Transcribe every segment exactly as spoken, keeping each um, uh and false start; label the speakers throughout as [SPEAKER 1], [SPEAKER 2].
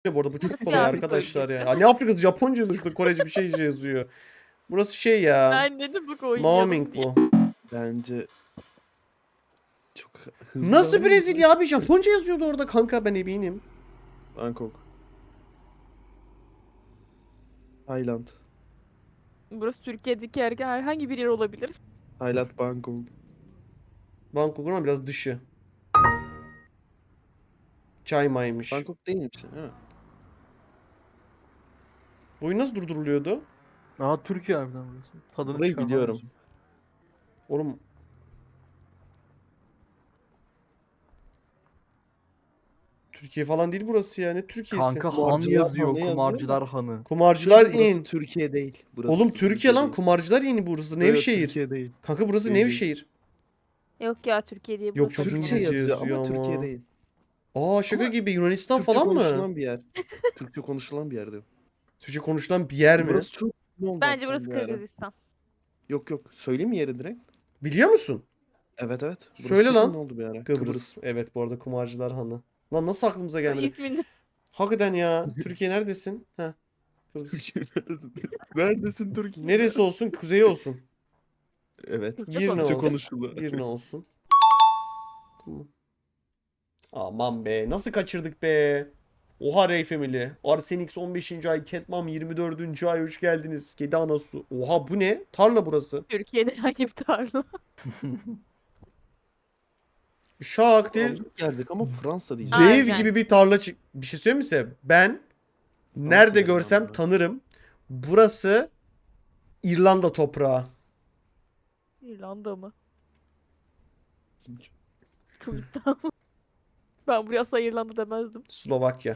[SPEAKER 1] Bu arada bu çok
[SPEAKER 2] Burası
[SPEAKER 1] kolay
[SPEAKER 2] bir
[SPEAKER 1] arkadaşlar
[SPEAKER 2] Afrika
[SPEAKER 1] ya.
[SPEAKER 2] ülkesi.
[SPEAKER 1] Ya ne Afrikası? Japonca yazıyor şurada. Korece bir şey yazıyor. Burası şey ya.
[SPEAKER 2] Ben dedim bak oynayalım
[SPEAKER 1] Maoming
[SPEAKER 2] diye.
[SPEAKER 1] bu.
[SPEAKER 3] Bence çok hızlı
[SPEAKER 1] Nasıl
[SPEAKER 3] davranma.
[SPEAKER 1] Brezilya abi? Japonca yazıyordu orada kanka, ben eminim.
[SPEAKER 3] Bangkok. Tayland.
[SPEAKER 2] Burası Türkiye'deki her- herhangi bir yer olabilir.
[SPEAKER 3] Tayland, Bangkok.
[SPEAKER 1] Bangkok'un ama biraz dışı. Chiang Mai'miş.
[SPEAKER 3] Bangkok değilmiş değil mi?
[SPEAKER 1] Bu oyun nasıl durduruluyordu?
[SPEAKER 4] Aa Türkiye harbiden burası. Tadını
[SPEAKER 3] Burayı
[SPEAKER 4] çıkar
[SPEAKER 3] biliyorum.
[SPEAKER 4] falan.
[SPEAKER 1] Oğlum. Türkiye falan değil burası ya. Ne Türkiye'si?
[SPEAKER 4] Kanka Han
[SPEAKER 3] Kumarcılar
[SPEAKER 4] yazıyor.
[SPEAKER 3] Hanı yazıyor
[SPEAKER 4] Kumarcılar Hanı.
[SPEAKER 1] Kumarcılar
[SPEAKER 3] Burası
[SPEAKER 1] in.
[SPEAKER 3] Türkiye değil. Burası
[SPEAKER 1] Oğlum Türkiye lan,
[SPEAKER 3] değil.
[SPEAKER 1] kumarcılar yeni burası.
[SPEAKER 3] Yok, yok,
[SPEAKER 1] Nevşehir.
[SPEAKER 3] Türkiye değil.
[SPEAKER 1] Kanka burası
[SPEAKER 3] Değil, değil.
[SPEAKER 1] Nevşehir.
[SPEAKER 2] Yok ya Türkiye diye
[SPEAKER 1] Yok,
[SPEAKER 2] burası.
[SPEAKER 1] çok
[SPEAKER 3] Türkçe
[SPEAKER 1] İngilizce
[SPEAKER 3] yazıyor,
[SPEAKER 1] yazıyor
[SPEAKER 3] ama,
[SPEAKER 1] ama.
[SPEAKER 3] Türkiye değil.
[SPEAKER 1] Aa şaka
[SPEAKER 3] Ama
[SPEAKER 1] gibi, Yunanistan
[SPEAKER 3] Türkçe
[SPEAKER 1] falan mı?
[SPEAKER 3] konuşulan bir yer. Türkçe konuşulan bir yer diyor.
[SPEAKER 1] Türkçe konuşulan bir yer mi?
[SPEAKER 3] Burası çok ünlü oldu
[SPEAKER 2] Bence
[SPEAKER 3] hatta
[SPEAKER 2] burası
[SPEAKER 3] bir ara.
[SPEAKER 2] Kırgızistan.
[SPEAKER 3] Yok yok. Söyleyeyim mi yeri direkt?
[SPEAKER 1] Biliyor musun?
[SPEAKER 3] Evet evet. Burası
[SPEAKER 1] Söyle
[SPEAKER 3] çok
[SPEAKER 1] lan.
[SPEAKER 3] ünlü oldu bir ara.
[SPEAKER 1] Kıbrıs. Evet, bu arada kumarcılar hanı. Lan nasıl aklımıza gelmedi?
[SPEAKER 2] İsmini
[SPEAKER 1] Hakikaten ya. Türkiye neredesin? Heh. Kıbrıs.
[SPEAKER 3] Türkiye neredesin? Neredesin Türkiye?
[SPEAKER 1] Neresi olsun? Kuzey olsun.
[SPEAKER 3] Evet.
[SPEAKER 2] Türkçe
[SPEAKER 1] Girne
[SPEAKER 3] Türkçe
[SPEAKER 1] olsun.
[SPEAKER 3] konuşuluyor.
[SPEAKER 1] Girne olsun. Tamam. Aman be. Nasıl kaçırdık be? Oha Ray Family. Arsenix on beşinci ay. Catmam yirmi dördüncü ay. Hoş geldiniz. Kedi anası. Oha bu ne? Tarla burası.
[SPEAKER 2] Türkiye'de herhangi bir tarla.
[SPEAKER 1] Şak diye
[SPEAKER 3] Aldık geldik ama Fransa diyeceğim.
[SPEAKER 1] dev
[SPEAKER 2] Aynen.
[SPEAKER 1] gibi bir tarla çık. Bir şey söyleyeyim mi size? Ben nerede
[SPEAKER 3] dedim ben
[SPEAKER 1] görsem
[SPEAKER 3] buna.
[SPEAKER 1] tanırım. Burası İrlanda toprağı.
[SPEAKER 2] İrlanda mı? Çok iddialı. Ben buraya asla İrlanda demezdim.
[SPEAKER 1] Slovakya.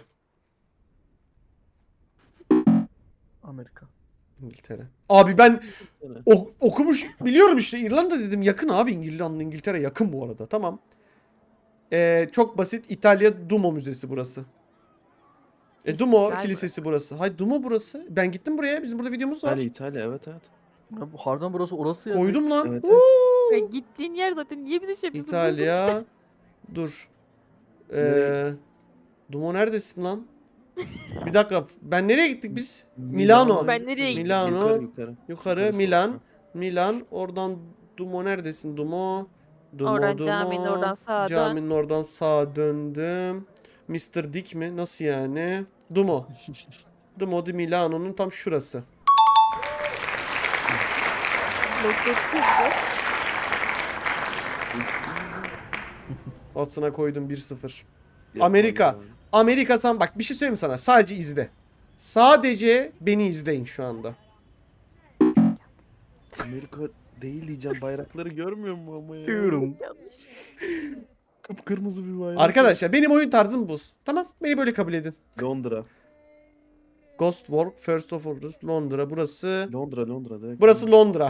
[SPEAKER 4] Amerika.
[SPEAKER 1] İngiltere. Abi ben
[SPEAKER 3] Evet.
[SPEAKER 1] ok- okumuş biliyorum işte, İrlanda dedim, yakın abi, İrlanda İngiltere yakın bu arada, tamam. Ee, çok basit, İtalya Duomo Müzesi burası. E Duomo
[SPEAKER 2] Güzel
[SPEAKER 1] Kilisesi burası. Hay Duomo burası. Ben gittim buraya, bizim burada videomuz var.
[SPEAKER 3] İtalya İtalya evet evet.
[SPEAKER 4] Ya bu harbiden burası orası ya.
[SPEAKER 1] Koydum lan.
[SPEAKER 3] Evet,
[SPEAKER 1] Woo!
[SPEAKER 2] Ve gittiğin yer zaten niye bir de şey yapıyorsun?
[SPEAKER 1] İtalya. Dur. Ee,
[SPEAKER 3] Nereye?
[SPEAKER 1] Duomo neredesin lan? Bir dakika, ben nereye gittik biz? Milano.
[SPEAKER 2] Ben nereye gittim?
[SPEAKER 1] Milano.
[SPEAKER 3] Yukarı yukarı.
[SPEAKER 1] Yukarı
[SPEAKER 3] Yukarı
[SPEAKER 1] Milan.
[SPEAKER 3] sol.
[SPEAKER 1] Milan. Oradan Dumo neredesin? Dumo. Dumo,
[SPEAKER 2] Oradan
[SPEAKER 1] Dumo.
[SPEAKER 2] caminin oradan sağa dön.
[SPEAKER 1] Caminin oradan sağa döndüm. mister Dick mi? Nasıl yani? Dumo. Dumo di Milano'nun tam şurası.
[SPEAKER 2] Loketsizdi.
[SPEAKER 1] Altına koydum bir sıfır.
[SPEAKER 3] Yapma
[SPEAKER 1] Amerika.
[SPEAKER 3] ya.
[SPEAKER 1] Amerika sen bak, bir şey söyleyeyim mi sana? Sadece izle. Sadece beni izleyin şu anda.
[SPEAKER 3] Amerika değil diyeceğim, bayrakları görmüyor mu ama ya?
[SPEAKER 4] Diyorum.
[SPEAKER 2] Yanlış.
[SPEAKER 3] Kıpkırmızı bir bayrak.
[SPEAKER 1] Arkadaşlar benim oyun tarzım bu. Tamam, beni böyle kabul edin.
[SPEAKER 3] Londra.
[SPEAKER 1] Ghost Walk, First of All, Londra. Burası.
[SPEAKER 3] Londra Londra direkt.
[SPEAKER 1] Burası Londra.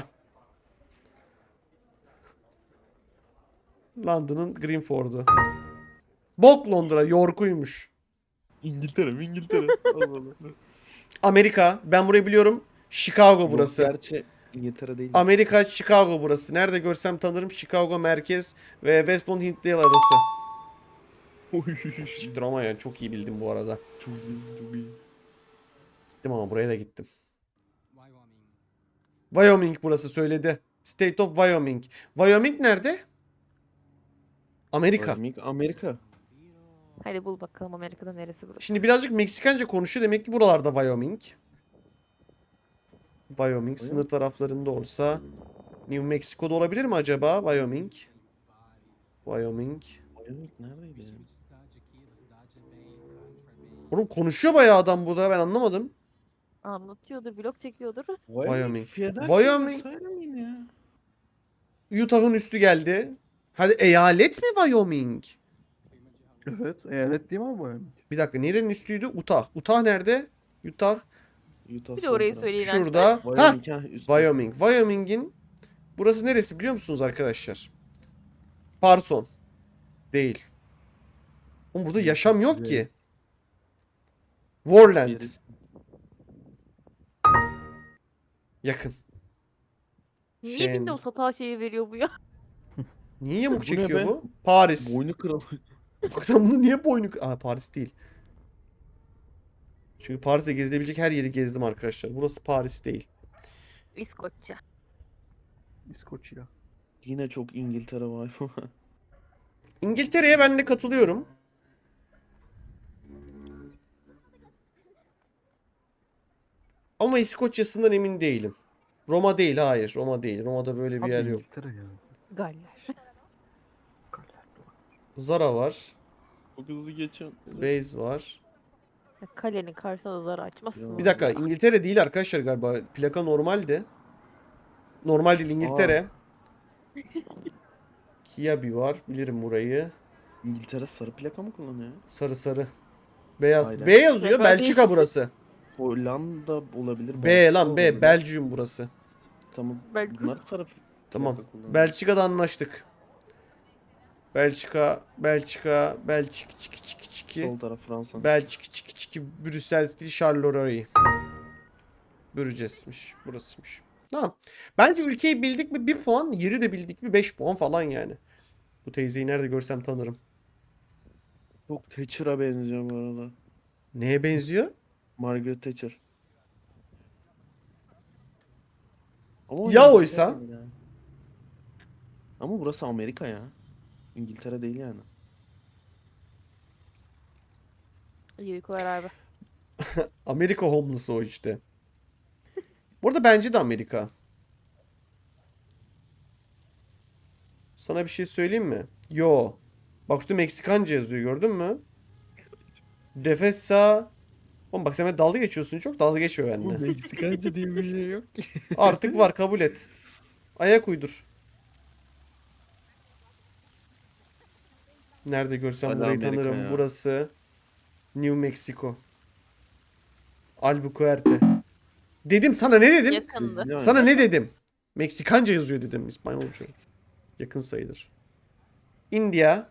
[SPEAKER 1] London'ın Greenford'u. Bok Londra, York'uymuş.
[SPEAKER 3] İngiltere mi İngiltere? Allah Allah.
[SPEAKER 1] Amerika, ben burayı biliyorum. Chicago burası.
[SPEAKER 3] Yok, gerçi İngiltere değil.
[SPEAKER 1] Amerika, Chicago burası. Nerede görsem tanırım. Chicago merkez ve West Bend Hintdale arası. Siktir ama ya, çok iyi bildim bu arada.
[SPEAKER 3] Çok iyi, çok iyi.
[SPEAKER 1] Gittim ama buraya da gittim. Wyoming burası, söyledi. State of Wyoming. Wyoming nerede? Amerika.
[SPEAKER 3] Amerika. Amerika.
[SPEAKER 2] Hadi bul bakalım Amerika'da neresi burası?
[SPEAKER 1] Şimdi birazcık Meksikanca konuşuyor. Demek ki buralarda Wyoming. Wyoming sınır taraflarında olsa. New Mexico'da olabilir mi acaba? Wyoming. Wyoming.
[SPEAKER 3] Wyoming neredeydi ya?
[SPEAKER 1] Oğlum konuşuyor bayağı adam bu da, ben anlamadım.
[SPEAKER 2] Anlatıyordur, vlog çekiyordur.
[SPEAKER 1] Wyoming.
[SPEAKER 3] Philadelphia
[SPEAKER 1] Wyoming.
[SPEAKER 3] vesaire miydi ya?
[SPEAKER 1] Utah'ın üstü geldi. Hadi eyalet mi Wyoming?
[SPEAKER 4] Evet. Eyalet değil mi abi bu yani?
[SPEAKER 1] Bir dakika, nerenin üstüydü? Utah. Utah nerede? Utah
[SPEAKER 3] Utah
[SPEAKER 2] Bir de
[SPEAKER 3] son
[SPEAKER 2] orayı
[SPEAKER 3] taraf.
[SPEAKER 2] söyleyin.
[SPEAKER 1] şurada. Ha,
[SPEAKER 3] Wyoming ha üstte.
[SPEAKER 1] Wyoming. Wyoming'in burası neresi biliyor musunuz arkadaşlar? Parson. Değil. Oğlum burada yaşam yok ki. Warland.
[SPEAKER 3] Yeriz.
[SPEAKER 1] Yakın.
[SPEAKER 2] Niye
[SPEAKER 1] Şey-
[SPEAKER 2] Windows hata şeyi veriyor bu ya?
[SPEAKER 1] Niye yamuk
[SPEAKER 3] Bu ne
[SPEAKER 1] çekiyor
[SPEAKER 3] be?
[SPEAKER 1] bu? Paris.
[SPEAKER 3] Boynu kırıldı.
[SPEAKER 1] Bak sen bunu niye boynu... Aa, Paris değil. Çünkü Paris'te gezilebilecek her yeri gezdim arkadaşlar. Burası Paris değil.
[SPEAKER 2] İskoçya.
[SPEAKER 4] İskoçya.
[SPEAKER 3] Yine çok İngiltere var.
[SPEAKER 1] İngiltere'ye ben de katılıyorum. Ama İskoçya'sından emin değilim. Roma değil, hayır. Roma değil. Roma'da böyle bir
[SPEAKER 4] Abi
[SPEAKER 1] yer yok.
[SPEAKER 4] İngiltere ya.
[SPEAKER 2] Galler.
[SPEAKER 4] Galler.
[SPEAKER 1] Zara var.
[SPEAKER 3] Çok hızlı geçen.
[SPEAKER 1] Base var.
[SPEAKER 2] Ya Kalenin karşısına da zar açmasın.
[SPEAKER 3] Ya.
[SPEAKER 1] Bir dakika, İngiltere değil arkadaşlar galiba. Plaka normaldi. Normal değil, İngiltere. Kiabi var. Bilirim burayı.
[SPEAKER 3] İngiltere sarı plaka mı kullanıyor?
[SPEAKER 1] Sarı sarı. Beyaz.
[SPEAKER 3] Aynen.
[SPEAKER 1] B yazıyor.
[SPEAKER 2] Plaka
[SPEAKER 1] Belçika
[SPEAKER 2] değil.
[SPEAKER 1] burası.
[SPEAKER 3] Hollanda olabilir.
[SPEAKER 1] B
[SPEAKER 3] Belçika
[SPEAKER 1] lan B.
[SPEAKER 3] olabilir.
[SPEAKER 1] Belgium burası.
[SPEAKER 3] Tamam.
[SPEAKER 2] Belki-
[SPEAKER 3] Bunlar sarı
[SPEAKER 1] Tamam.
[SPEAKER 3] plaka kullanıyor.
[SPEAKER 1] Belçika'da anlaştık. Belçika, Belçika, Belçik, çiki çiki çiki.
[SPEAKER 3] Sol taraf Fransa.
[SPEAKER 1] Belçik, çiki çiki, Brüssel değil, Charleroi. Bürces'miş, burasıymış. Tamam. Bence ülkeyi bildik mi bir puan, yeri de bildik mi beş puan falan yani. Bu teyzeyi nerede görsem tanırım.
[SPEAKER 3] Çok Thatcher'a benziyor bu arada.
[SPEAKER 1] Neye benziyor?
[SPEAKER 3] Margaret Thatcher. Ama
[SPEAKER 1] Ya
[SPEAKER 3] İngiltere
[SPEAKER 1] oysa?
[SPEAKER 3] değil ya. Ama burası Amerika ya. İngiltere değil yani.
[SPEAKER 2] İyi uykular abi.
[SPEAKER 1] Amerika homeless'ı o işte. Burada bence de Amerika. Sana bir şey söyleyeyim mi? Yo. Bak şurada Meksikanca yazıyor, gördün mü? Defesa. Oğlum bak sen benimle dalga geçiyorsun, çok dalga geçme benimle.
[SPEAKER 3] Meksikanca diye bir şey yok ki.
[SPEAKER 1] Artık var, kabul et. Ayak uydur. Nerede görsem
[SPEAKER 3] Hala
[SPEAKER 1] burayı
[SPEAKER 3] Amerika
[SPEAKER 1] tanırım.
[SPEAKER 3] ya.
[SPEAKER 1] Burası New Mexico. Albuquerque. Dedim sana, ne dedim?
[SPEAKER 2] Yakındı.
[SPEAKER 3] Yani.
[SPEAKER 1] Sana ne dedim? Meksikanca yazıyor dedim, İspanyolca. Yakın sayılır. India.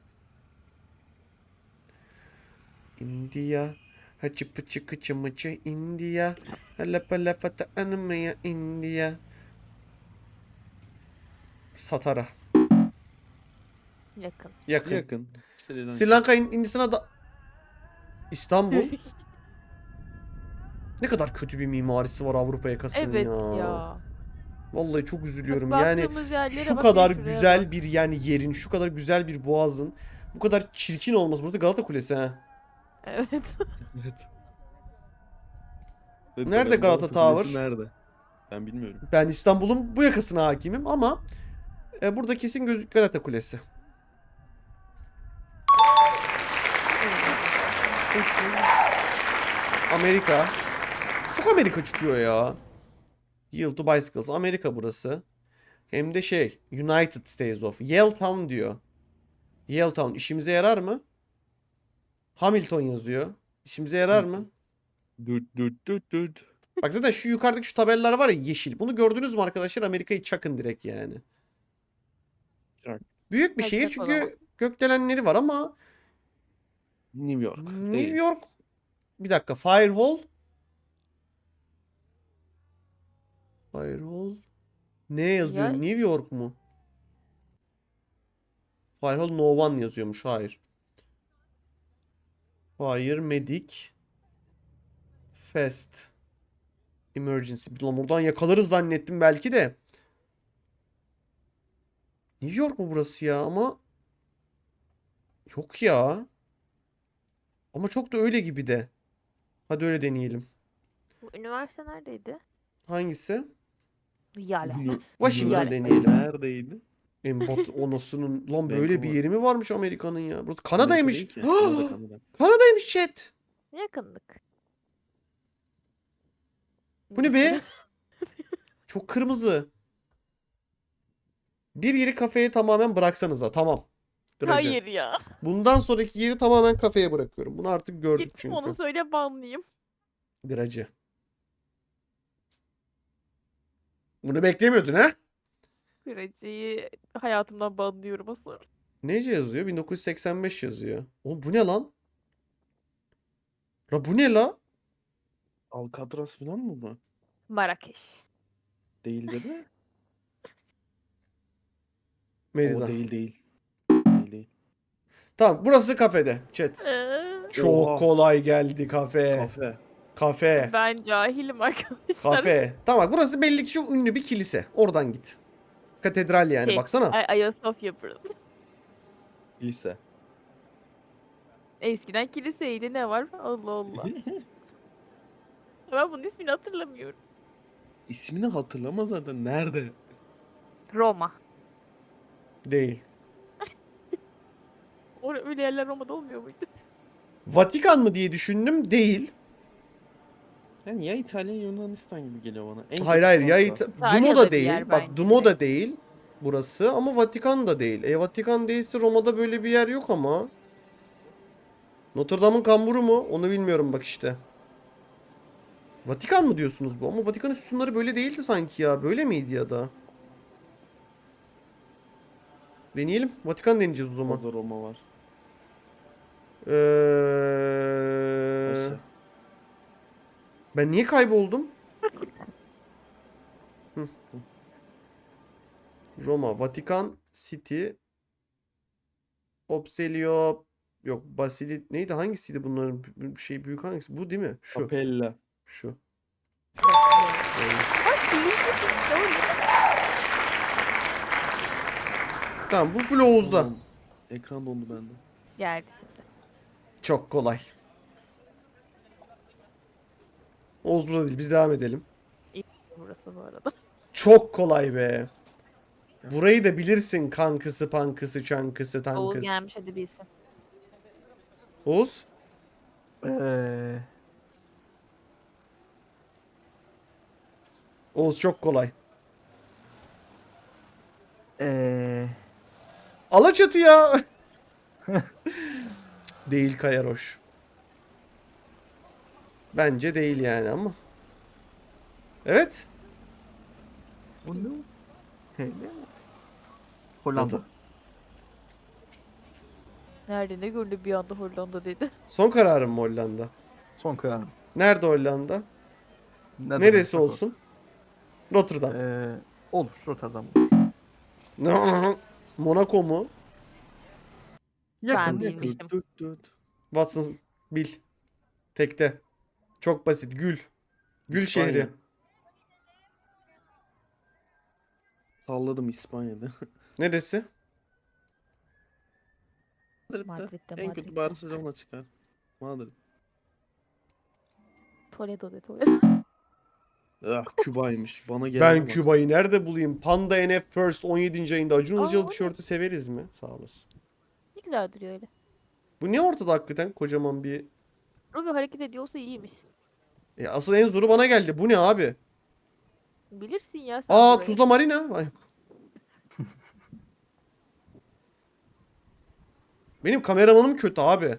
[SPEAKER 1] India. Hacı pıçı kıçı mıçı India. Lapa lapa ta anımaya India. Satara.
[SPEAKER 2] Yakın.
[SPEAKER 1] Yakın.
[SPEAKER 3] Yakın. Sri Lanka.
[SPEAKER 1] Sri Lanka, Hin- Hindistan'a da... İstanbul. Ne kadar kötü bir mimarisi var Avrupa yakasının
[SPEAKER 2] Evet
[SPEAKER 1] ya.
[SPEAKER 2] ya.
[SPEAKER 1] Vallahi çok üzülüyorum.
[SPEAKER 2] Bak,
[SPEAKER 1] Yani
[SPEAKER 2] baktığımız yerlere
[SPEAKER 1] şu
[SPEAKER 2] bak,
[SPEAKER 1] kadar
[SPEAKER 2] şuraya
[SPEAKER 1] güzel
[SPEAKER 2] bak.
[SPEAKER 1] bir yani yerin, şu kadar güzel bir boğazın bu kadar çirkin olması. Burası Galata Kulesi ha.
[SPEAKER 2] Evet.
[SPEAKER 3] Evet. Evet,
[SPEAKER 1] Nerede
[SPEAKER 3] bakalım
[SPEAKER 1] Galata
[SPEAKER 3] Kulesi
[SPEAKER 1] Tower?
[SPEAKER 3] Nerede? Ben bilmiyorum.
[SPEAKER 1] Ben İstanbul'un bu yakasına hakimim ama e, burada kesin gözük Galata Kulesi. Amerika. Çok Amerika çıkıyor ya. Yield to Bicycles. Amerika burası. Hem de şey, United States of. Yaletown diyor. Yaletown işimize yarar mı? Hamilton yazıyor. İşimize yarar mı?
[SPEAKER 3] Düt düt düt düt.
[SPEAKER 1] Bak zaten şu yukarıdaki şu tabelalar var ya, yeşil. Bunu gördünüz mü arkadaşlar? Amerika'yı çakın direkt yani.
[SPEAKER 3] Çak.
[SPEAKER 1] Büyük bir
[SPEAKER 2] Hadi
[SPEAKER 1] şehir
[SPEAKER 2] çak o zaman.
[SPEAKER 1] çünkü gökdelenleri var ama
[SPEAKER 3] New York.
[SPEAKER 1] New
[SPEAKER 3] Değil.
[SPEAKER 1] York, bir dakika, Firehall. Firehall ne yazıyor?
[SPEAKER 2] Ya-
[SPEAKER 1] New York mu? Firehall No One yazıyormuş. Hayır. Fire Medic Fast Emergency. Ulan buradan yakalarız zannettim belki de. New York mu burası ya? Ama yok ya. Ama çok da öyle gibi de. Hadi öyle deneyelim.
[SPEAKER 2] Bu üniversite neredeydi?
[SPEAKER 1] Hangisi?
[SPEAKER 2] Yale.
[SPEAKER 3] Ünü-
[SPEAKER 1] Washington
[SPEAKER 3] Üniversite
[SPEAKER 1] deneyelim.
[SPEAKER 3] Neredeydi?
[SPEAKER 1] En batı onasının. Lan böyle bir
[SPEAKER 3] Vancouver.
[SPEAKER 1] yeri mi varmış Amerika'nın ya? Burası
[SPEAKER 3] Amerika
[SPEAKER 1] Kanada'ymış.
[SPEAKER 3] değil ki. Kanada, Kanada.
[SPEAKER 1] Kanada'ymış chat.
[SPEAKER 2] Yakındık.
[SPEAKER 1] Bu ne be? Çok kırmızı. Bir yeri kafeye tamamen bıraksanıza. Tamam. Gracı.
[SPEAKER 2] Hayır ya.
[SPEAKER 1] Bundan sonraki yeri tamamen kafeye bırakıyorum. Bunu artık gördük
[SPEAKER 2] Git
[SPEAKER 1] çünkü.
[SPEAKER 2] onu söyle, banlayayım.
[SPEAKER 1] Gracı. Bunu beklemiyordun ha?
[SPEAKER 2] Kıracıyı hayatımdan banlıyorum asıl.
[SPEAKER 1] Nece yazıyor? bin dokuz yüz seksen beş yazıyor. Oğlum bu ne lan? La bu ne la?
[SPEAKER 3] Alcatraz falan mı bu?
[SPEAKER 2] Marrakeş.
[SPEAKER 3] Değil değil mi?
[SPEAKER 1] Merida.
[SPEAKER 3] O değil değil. Değil değil.
[SPEAKER 1] Tamam, burası kafede chat.
[SPEAKER 2] Ee,
[SPEAKER 1] Çok
[SPEAKER 3] Oha.
[SPEAKER 1] kolay geldi kafe.
[SPEAKER 3] Kafe.
[SPEAKER 1] Kafe.
[SPEAKER 2] Ben cahilim arkadaşlar.
[SPEAKER 1] Kafe. Tamam bak burası belli ki çok ünlü bir kilise. Oradan git. Katedral yani
[SPEAKER 2] Şey,
[SPEAKER 1] baksana.
[SPEAKER 2] Ay- Ayasofya burası.
[SPEAKER 3] Lise.
[SPEAKER 2] Eskiden kiliseydi, ne var? Allah Allah. Ben bunun ismini hatırlamıyorum.
[SPEAKER 3] İsmini hatırlama zaten. Nerede?
[SPEAKER 2] Roma.
[SPEAKER 1] Değil.
[SPEAKER 2] Or öyle yerler Roma'da olmuyor muydu?
[SPEAKER 1] Vatikan mı diye düşündüm. Değil.
[SPEAKER 3] Yani ya İtalya ya Yunanistan gibi geliyor bana. En
[SPEAKER 1] Hayır
[SPEAKER 3] kötü
[SPEAKER 1] hayır ya
[SPEAKER 3] Fransa.
[SPEAKER 1] İta-
[SPEAKER 2] İtalya'da
[SPEAKER 1] Dumo da
[SPEAKER 2] bir
[SPEAKER 1] değil.
[SPEAKER 2] yer
[SPEAKER 1] Bak
[SPEAKER 2] bence
[SPEAKER 1] Dumo da
[SPEAKER 2] direkt.
[SPEAKER 1] değil burası ama Vatikan da değil. E Vatikan değilse Roma'da böyle bir yer yok ama. Notre Dame'ın kamburu mu? Onu bilmiyorum bak işte. Vatikan mı diyorsunuz bu? Ama Vatikan'ın sütunları böyle değildi sanki ya. Böyle miydi ya da? Deneyelim. Vatikan deneyeceğiz o zaman.
[SPEAKER 3] Orada Roma var.
[SPEAKER 1] Ee...
[SPEAKER 3] Aşağı.
[SPEAKER 1] Ben niye kayboldum? Hı. Roma, Vatikan City, Obselio, yok Basilit neydi? Hangisiydi bunların b- şey büyük hangisi? Bu değil mi? Şu.
[SPEAKER 3] Capella.
[SPEAKER 1] Şu.
[SPEAKER 2] Bak değil işte o.
[SPEAKER 1] Tamam bu full Oğuz'da.
[SPEAKER 3] Tamam. Ekran dondu bende.
[SPEAKER 2] Geldi şimdi.
[SPEAKER 1] Çok kolay. Oğuz burada değil. Biz devam edelim.
[SPEAKER 2] Burası bu arada.
[SPEAKER 1] Çok kolay be. Burayı da bilirsin kankısı, pankısı, çankısı,
[SPEAKER 2] Oğuz
[SPEAKER 1] tankısı.
[SPEAKER 2] gelmiş, hadi bilsin.
[SPEAKER 1] Oğuz?
[SPEAKER 4] Eee...
[SPEAKER 1] Oğuz çok kolay.
[SPEAKER 4] Eee...
[SPEAKER 1] Alaçatı ya. Değil Kayaroş. Bence değil yani ama. Evet.
[SPEAKER 4] Bu ne? Hele. Hollanda.
[SPEAKER 2] Nerede ne gördü bir anda Hollanda dedi.
[SPEAKER 1] Son kararım mı Hollanda?
[SPEAKER 4] Son kararım.
[SPEAKER 1] Nerede Hollanda?
[SPEAKER 4] Ne
[SPEAKER 1] Neresi
[SPEAKER 4] demek
[SPEAKER 1] olsun? Rotterdam.
[SPEAKER 4] Eee... Olur. Rotterdam olur.
[SPEAKER 1] Monaco mu?
[SPEAKER 4] Yakın
[SPEAKER 2] Ben
[SPEAKER 4] yakın.
[SPEAKER 2] bilmiştim.
[SPEAKER 3] Düt düt.
[SPEAKER 1] Watson bil. Tekte. Çok basit. Gül. Gül
[SPEAKER 3] İspanya.
[SPEAKER 1] şehri.
[SPEAKER 3] Salladım İspanya'da.
[SPEAKER 1] Neresi?
[SPEAKER 3] Madrid'de.
[SPEAKER 2] Madrid'de,
[SPEAKER 3] En kötü
[SPEAKER 2] Madrid'de.
[SPEAKER 3] Barcelona çıkar. Madrid.
[SPEAKER 2] Toledo de Toledo.
[SPEAKER 3] Ah Küba'ymış. Bana gelene
[SPEAKER 1] Ben
[SPEAKER 3] bak.
[SPEAKER 1] Küba'yı nerede bulayım? Panda N F First on yedinci ayında Acun
[SPEAKER 2] Aa, o
[SPEAKER 1] Ilıcalı
[SPEAKER 2] ne?
[SPEAKER 1] tişörtü severiz mi? Sağ olasın.
[SPEAKER 2] Ne güzel duruyor öyle.
[SPEAKER 1] Bu ne ortada hakikaten kocaman bir...
[SPEAKER 2] Ruby hareket ediyorsa iyiymiş.
[SPEAKER 1] E, asıl en zoru bana geldi. Bu ne abi?
[SPEAKER 2] Bilirsin ya sen
[SPEAKER 1] Aa
[SPEAKER 2] burayı.
[SPEAKER 1] Tuzla Marina. Ay. Benim kameramanım kötü abi.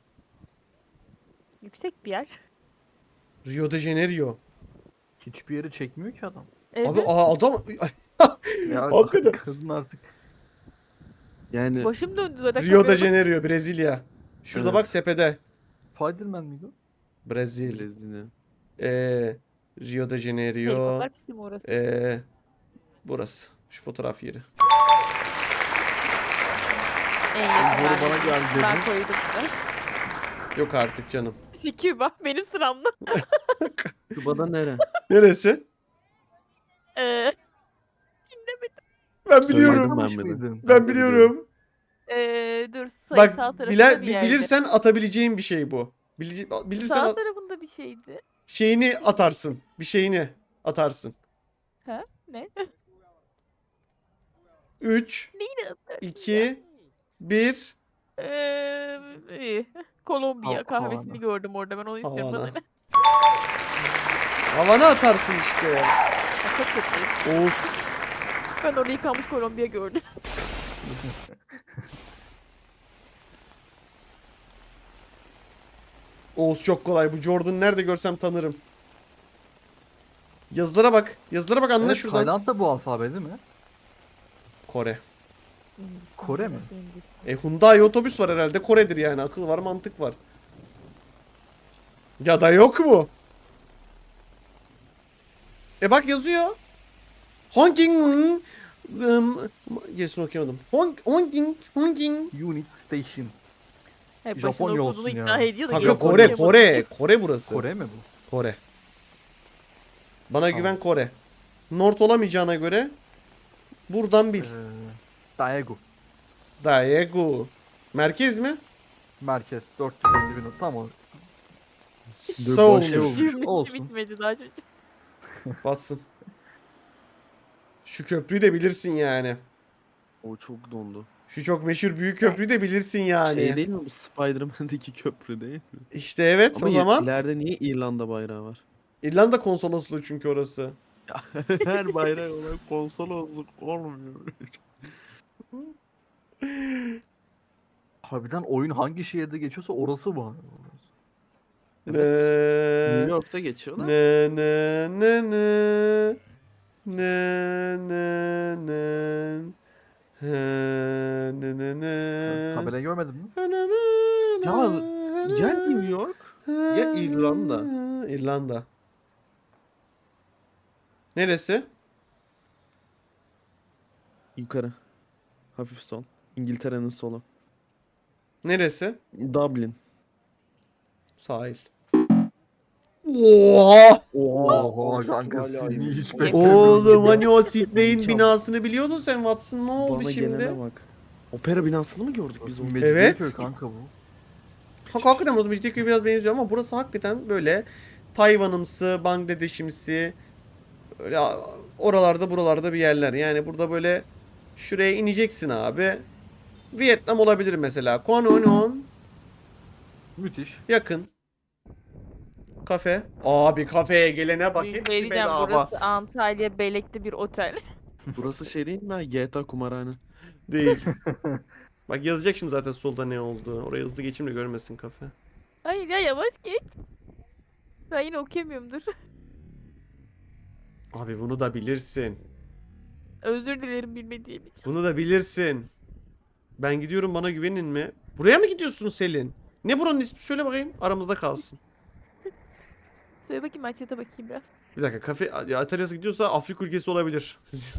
[SPEAKER 2] Yüksek bir yer.
[SPEAKER 1] Rio de Janeiro.
[SPEAKER 4] Hiçbir yeri çekmiyor ki adam.
[SPEAKER 2] Evet.
[SPEAKER 1] Abi aa, adam...
[SPEAKER 4] Ya
[SPEAKER 1] Hakikaten.
[SPEAKER 4] kadın artık.
[SPEAKER 3] Yani
[SPEAKER 2] Başım döndü zaten.
[SPEAKER 1] Rio de
[SPEAKER 2] kamerada.
[SPEAKER 1] Janeiro, Brezilya. Şurada
[SPEAKER 3] Evet.
[SPEAKER 1] bak tepede.
[SPEAKER 4] Spiderman miydi o?
[SPEAKER 1] Brezilya.
[SPEAKER 3] Brezilya.
[SPEAKER 1] Ee, Rio de Janeiro.
[SPEAKER 2] Helikopter pisti mi orası?
[SPEAKER 1] Ee, burası. Şu fotoğraf yeri.
[SPEAKER 2] En yakın
[SPEAKER 3] Doğru
[SPEAKER 2] ben,
[SPEAKER 3] bana geldi dedin.
[SPEAKER 2] ben koydum size.
[SPEAKER 1] Yok artık canım.
[SPEAKER 2] İşte Küba benim sıramda.
[SPEAKER 3] Küba'da nere?
[SPEAKER 1] Neresi?
[SPEAKER 2] Ee,
[SPEAKER 1] Ben
[SPEAKER 3] Söyledim
[SPEAKER 1] biliyorum.
[SPEAKER 3] ben
[SPEAKER 4] Tanımış
[SPEAKER 3] bir de.
[SPEAKER 4] mıydın?
[SPEAKER 1] Ben biliyorum.
[SPEAKER 2] ee, dur sayısal
[SPEAKER 1] Bak
[SPEAKER 2] tarafında
[SPEAKER 1] bile,
[SPEAKER 2] bir
[SPEAKER 1] bi-
[SPEAKER 2] yerde.
[SPEAKER 1] bilirsen atabileceğin bir şey bu. Bilici- bilirsen
[SPEAKER 2] Sağ
[SPEAKER 1] at-
[SPEAKER 2] tarafında bir şeydi.
[SPEAKER 1] şeyini atarsın. Bir şeyini atarsın.
[SPEAKER 2] Ha? Ne?
[SPEAKER 1] üç,
[SPEAKER 2] Neydi adı?
[SPEAKER 1] iki, bir.
[SPEAKER 2] Ee, iyi. Kolombiya
[SPEAKER 4] Ha-
[SPEAKER 2] kahvesini
[SPEAKER 4] Havana.
[SPEAKER 2] gördüm orada, ben onu istiyorum.
[SPEAKER 1] Havana.
[SPEAKER 2] Bana ne?
[SPEAKER 1] Havana atarsın işte.
[SPEAKER 2] Ya çok kötü.
[SPEAKER 1] Oğuz.
[SPEAKER 2] Ben orada yıkanmış Kolombiya gördüm.
[SPEAKER 1] Oğuz çok kolay. Bu Jordan'ı nerede görsem tanırım. Yazılara bak. Yazılara bak anla
[SPEAKER 4] Evet,
[SPEAKER 1] şuradan.
[SPEAKER 4] Tayland da bu alfabe değil mi?
[SPEAKER 1] Kore.
[SPEAKER 4] Kore mi?
[SPEAKER 1] E Hyundai otobüs var herhalde. Kore'dir yani. Akıl var, mantık var. Ya da yok mu? E bak yazıyor. Honking um, gerisini okuyamadım. Hong Honking Honking.
[SPEAKER 4] Unit Station.
[SPEAKER 2] Hep
[SPEAKER 4] Japonya
[SPEAKER 2] başına
[SPEAKER 4] olsun
[SPEAKER 2] okuduğunu
[SPEAKER 4] ya.
[SPEAKER 2] ikna ediyor da.
[SPEAKER 1] Kanka
[SPEAKER 2] geri
[SPEAKER 1] Kore
[SPEAKER 2] okuyamadı.
[SPEAKER 1] Kore Kore burası.
[SPEAKER 4] Kore mi bu?
[SPEAKER 1] Kore. Bana
[SPEAKER 4] Tamam.
[SPEAKER 1] güven Kore. North olamayacağına göre buradan bil.
[SPEAKER 4] Ee, Daegu.
[SPEAKER 1] Daegu. Merkez mi?
[SPEAKER 4] Merkez dört yüz elli bin. Tamam.
[SPEAKER 1] Seoul.
[SPEAKER 3] şey olmuş.
[SPEAKER 2] Cümlesi
[SPEAKER 4] olsun.
[SPEAKER 2] bitmedi daha çocuk.
[SPEAKER 1] Batsın. Şu köprüyü de bilirsin yani.
[SPEAKER 3] O çok dondu.
[SPEAKER 1] Şu çok meşhur büyük köprüyü de bilirsin yani.
[SPEAKER 3] Şey değil mi bu Spider-Man'deki köprü değil mi?
[SPEAKER 1] İşte evet
[SPEAKER 3] Ama
[SPEAKER 1] o zaman.
[SPEAKER 3] ileride niye İrlanda bayrağı var?
[SPEAKER 1] İrlanda konsolosluğu çünkü orası.
[SPEAKER 3] Her bayrak olan konsolosluk olmuyor.
[SPEAKER 4] Harbiden oyun hangi şehirde geçiyorsa orası bu. Orası.
[SPEAKER 3] Evet. New
[SPEAKER 1] Ne
[SPEAKER 3] York'ta geçiyor da.
[SPEAKER 1] ne ne ne ne ne ne ne he, ne ne ne
[SPEAKER 4] Tabelayı görmedin mi?
[SPEAKER 3] Ya ya New York ya İrlanda.
[SPEAKER 1] İrlanda. Neresi?
[SPEAKER 3] Yukarı. Hafif sol. İngiltere'nin solu.
[SPEAKER 1] Neresi?
[SPEAKER 3] Dublin.
[SPEAKER 1] Sahil. Oha!
[SPEAKER 4] Oha kanka seni hiç beklemiyordum.
[SPEAKER 1] Oğlum hani o Sydney'in binasını biliyordun sen Watson, ne oldu
[SPEAKER 3] Bana
[SPEAKER 1] şimdi?
[SPEAKER 3] gelene bak. Opera binasını mı gördük biz onu?
[SPEAKER 1] Evet.
[SPEAKER 4] Evet. Kanka bu.
[SPEAKER 1] Hak hakikaten o Mecidiyeköy'e biraz benziyor ama burası hakikaten böyle Tayvan'ımsı, Bangladeş'imsi, öyle oralarda buralarda bir yerler. Yani burada böyle şuraya ineceksin abi. Vietnam olabilir mesela. Kononon
[SPEAKER 4] Müthiş.
[SPEAKER 1] yakın. Kafe. Abi kafeye gelene bak,
[SPEAKER 2] Bir
[SPEAKER 1] hepsi
[SPEAKER 2] diyeceğim,
[SPEAKER 1] bedava.
[SPEAKER 2] burası Antalya Belek'te bir otel.
[SPEAKER 3] Burası şey değil mi? G T A kumarhane.
[SPEAKER 1] Değil. Bak yazacak şimdi zaten solda ne oldu. Oraya hızlı geçeyim de görmesin kafe.
[SPEAKER 2] Hayır ya, yavaş geç. Ben yine okuyamıyorum, dur.
[SPEAKER 1] Abi bunu da bilirsin.
[SPEAKER 2] Özür dilerim bilmediğim için.
[SPEAKER 1] Bunu da bilirsin. Ben gidiyorum, bana güvenin mi? Buraya mı gidiyorsun Selin? Ne buranın ismi, söyle bakayım. Aramızda kalsın.
[SPEAKER 2] Söyle bakayım, açıda bakayım biraz.
[SPEAKER 1] Bir dakika, kafe Atalya'sı gidiyorsa Afrika ülkesi olabilir.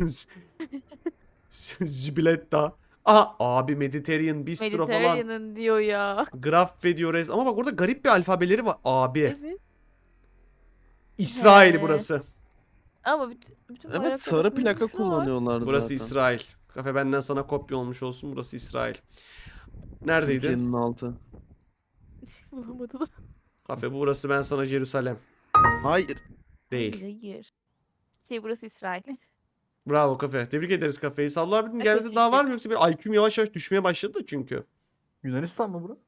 [SPEAKER 1] Zibiletta. Aha abi, Mediterranean Bistro falan.
[SPEAKER 2] Mediterranean'ın diyor ya.
[SPEAKER 1] Graf ve diyor. Ama bak orada garip bir alfabeleri var. Abi.
[SPEAKER 2] Evet.
[SPEAKER 1] İsrail
[SPEAKER 2] He.
[SPEAKER 1] burası.
[SPEAKER 2] Ama bütün, bütün
[SPEAKER 3] Evet
[SPEAKER 2] bayraklarda
[SPEAKER 3] sarı plaka
[SPEAKER 2] kurulmuş var.
[SPEAKER 3] kullanıyorlar
[SPEAKER 1] Burası
[SPEAKER 3] zaten.
[SPEAKER 1] İsrail. Kafe benden sana kopya olmuş olsun. Burası İsrail. Neredeydi?
[SPEAKER 3] Türkiye'nin altı.
[SPEAKER 2] Bulamadım.
[SPEAKER 1] Kafe burası, ben sana Jerusalem.
[SPEAKER 3] Hayır.
[SPEAKER 1] Değil.
[SPEAKER 2] Hayır, hayır. Şey, burası İsrail.
[SPEAKER 1] Bravo kafe. Tebrik ederiz kafeyi. Salla abinin
[SPEAKER 2] Evet,
[SPEAKER 1] gelmesi daha
[SPEAKER 2] teşekkür
[SPEAKER 1] var mı, yoksa bir I Q'm yavaş yavaş düşmeye başladı da çünkü.
[SPEAKER 4] Yunanistan mı bura?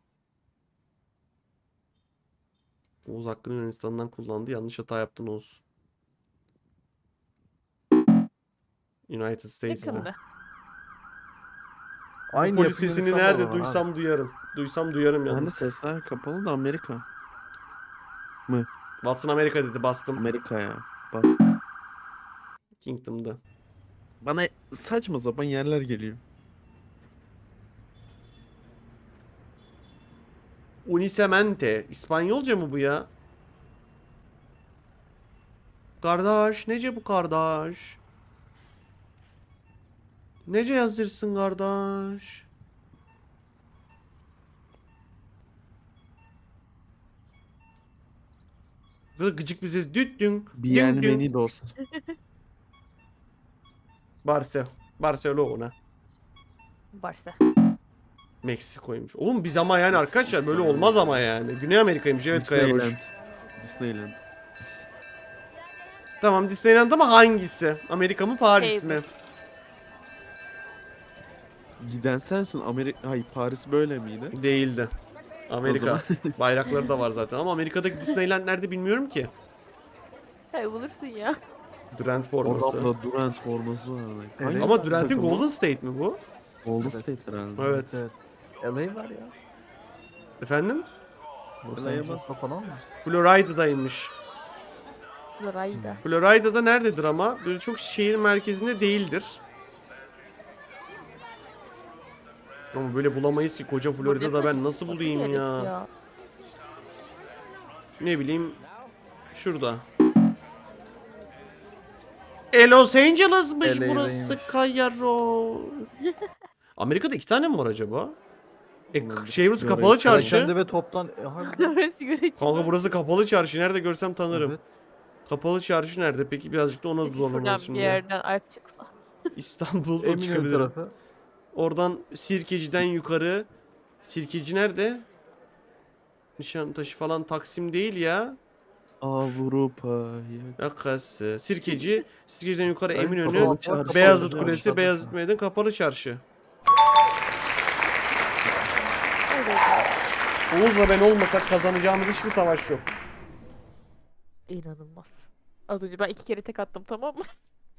[SPEAKER 1] Oğuz hakkını Yunanistan'dan kullandı. Yanlış hata yaptın Oğuz. United States'de.
[SPEAKER 2] Yakında.
[SPEAKER 4] Aynı
[SPEAKER 1] Polis
[SPEAKER 4] yapı
[SPEAKER 1] sesini
[SPEAKER 4] Yunanistan'da
[SPEAKER 1] nerede
[SPEAKER 4] da var abi.
[SPEAKER 1] duysam duyarım. Duysam duyarım
[SPEAKER 3] Yani
[SPEAKER 1] yalnız.
[SPEAKER 3] sesler kapalı da Amerika.
[SPEAKER 1] Watson Amerika dedi, bastım.
[SPEAKER 3] Amerika ya. Bak.
[SPEAKER 1] Kingdom'da.
[SPEAKER 3] Bana saçma sapan yerler geliyor.
[SPEAKER 1] Unicemente. İspanyolca mı bu ya? Kardeş. Nece bu kardeş? Nece yazırsın kardeş? Böyle gıcık bir ses. Düt dün. Dün dün.
[SPEAKER 3] Bienvenidos.
[SPEAKER 1] Barcelona. Barcelona.
[SPEAKER 2] Barça.
[SPEAKER 1] Meksiko'ymuş. Oğlum biz ama yani arkadaşlar böyle olmaz ama yani. Güney Amerika'ymış, evet Kayaroş.
[SPEAKER 3] Disneyland. Disneyland.
[SPEAKER 1] Tamam Disneyland ama hangisi? Amerika mı Paris
[SPEAKER 2] Hey,
[SPEAKER 1] mi?
[SPEAKER 3] Giden sensin. Amerika. Hayır, Paris böyle miydi?
[SPEAKER 1] Değildi.
[SPEAKER 3] O
[SPEAKER 1] Amerika.
[SPEAKER 3] zaman.
[SPEAKER 1] Bayrakları da var zaten ama Amerika'daki Disneyland nerede bilmiyorum ki.
[SPEAKER 2] Hayır, bulursun ya.
[SPEAKER 1] Durant forması.
[SPEAKER 3] Adamda Durant forması vardı.
[SPEAKER 4] Evet.
[SPEAKER 3] Hangi
[SPEAKER 1] Ama Durant'in
[SPEAKER 3] takım o?
[SPEAKER 1] Golden State mi bu?
[SPEAKER 3] Golden
[SPEAKER 4] Evet.
[SPEAKER 3] State herhalde.
[SPEAKER 1] Evet.
[SPEAKER 4] Evet. L A var ya.
[SPEAKER 1] Efendim?
[SPEAKER 4] Los
[SPEAKER 3] L A'ya
[SPEAKER 4] Angeles'ta falan mı?
[SPEAKER 1] Florida'daymış.
[SPEAKER 2] Florida.
[SPEAKER 1] Florida'da nerededir ama? Böyle çok şehir merkezinde değildir. Ama böyle bulamayız ki, koca Florida'da ben nasıl
[SPEAKER 2] Nasıl
[SPEAKER 1] bulayım
[SPEAKER 2] gerek
[SPEAKER 1] ya? Ne bileyim, şurada. E Los Angeles'mış
[SPEAKER 4] L A'daymış.
[SPEAKER 1] burası Kayaro. Amerika'da iki tane mi var acaba? E
[SPEAKER 3] Ulan
[SPEAKER 1] şey burası
[SPEAKER 3] sigara
[SPEAKER 1] kapalı
[SPEAKER 3] içiyorum.
[SPEAKER 1] çarşı.
[SPEAKER 4] Perakende ve toptan... E, harbiden.
[SPEAKER 2] Sigara içiyor.
[SPEAKER 1] Kanka burası kapalı çarşı. Nerede görsem tanırım.
[SPEAKER 4] Evet.
[SPEAKER 1] Kapalı çarşı nerede? Peki birazcık da ona
[SPEAKER 2] Peki
[SPEAKER 1] zorlamamız
[SPEAKER 2] şuradan
[SPEAKER 1] şimdi.
[SPEAKER 2] bir yerden Alp çıksa.
[SPEAKER 1] İstanbul'da
[SPEAKER 4] Eminönü
[SPEAKER 1] çıkabilirim.
[SPEAKER 4] tarafı.
[SPEAKER 1] Oradan Sirkeci'den yukarı. Sirkeci nerede? Nişantaşı falan Taksim değil ya.
[SPEAKER 3] Avrupa'ya.
[SPEAKER 1] Yakası. Sirkeci. Sirkeci'den yukarı
[SPEAKER 4] Ay,
[SPEAKER 1] Eminönü.
[SPEAKER 4] kapalı çarşı.
[SPEAKER 1] Beyazıt
[SPEAKER 4] Kapalı
[SPEAKER 1] Kulesi,
[SPEAKER 4] çarşı.
[SPEAKER 1] Beyazıt Meydanı, Kapalı Çarşı.
[SPEAKER 2] Evet.
[SPEAKER 1] Oğuz'la ben olmasak kazanacağımız hiçbir savaş yok.
[SPEAKER 2] İnanılmaz. Az önce ben iki kere tek attım, tamam mı?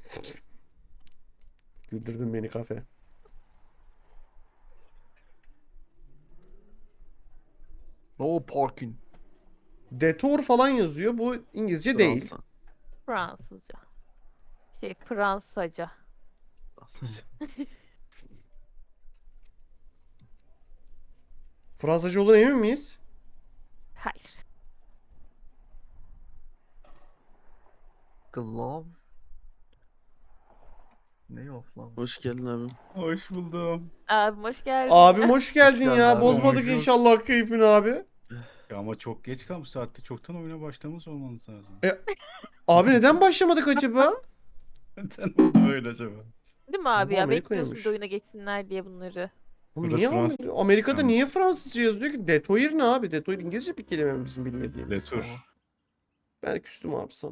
[SPEAKER 1] Güldürdün beni kafe.
[SPEAKER 4] No parking.
[SPEAKER 1] Detour falan yazıyor. Bu İngilizce değil.
[SPEAKER 3] Fransa.
[SPEAKER 2] Fransızca. Şey, Fransaca.
[SPEAKER 3] Fransızca.
[SPEAKER 1] Fransızca olduğuna emin miyiz?
[SPEAKER 2] Hayır.
[SPEAKER 4] Glove. Ne of lan?
[SPEAKER 3] Hoş geldin abim.
[SPEAKER 5] Hoş buldum.
[SPEAKER 2] Abim hoş geldin.
[SPEAKER 1] Abim hoş geldin
[SPEAKER 4] geldin
[SPEAKER 1] ya.
[SPEAKER 4] abi.
[SPEAKER 1] Bozmadık
[SPEAKER 5] Hoş bulduk.
[SPEAKER 1] inşallah keyfini abi.
[SPEAKER 5] Ya ama çok geç kalmış. Saatte çoktan oyuna başlamış olmanız lazım.
[SPEAKER 1] Abi neden başlamadık acaba?
[SPEAKER 5] Neden oldu böyle acaba?
[SPEAKER 2] Değil mi abi
[SPEAKER 1] Bu
[SPEAKER 2] ya?
[SPEAKER 1] Amerika'ymış.
[SPEAKER 2] Bekliyorsun bir de oyuna geçsinler diye bunları.
[SPEAKER 1] Oğlum
[SPEAKER 5] Burası
[SPEAKER 1] niye
[SPEAKER 5] Fransız.
[SPEAKER 1] Amer- Amerika'da
[SPEAKER 5] Yalnız.
[SPEAKER 1] niye Fransızca yazıyor ki? Detour ne abi? Detour İngilizce bir kelime mi bizim bilmediğimiz?
[SPEAKER 5] Detour.
[SPEAKER 1] Ben küstüm abi sana.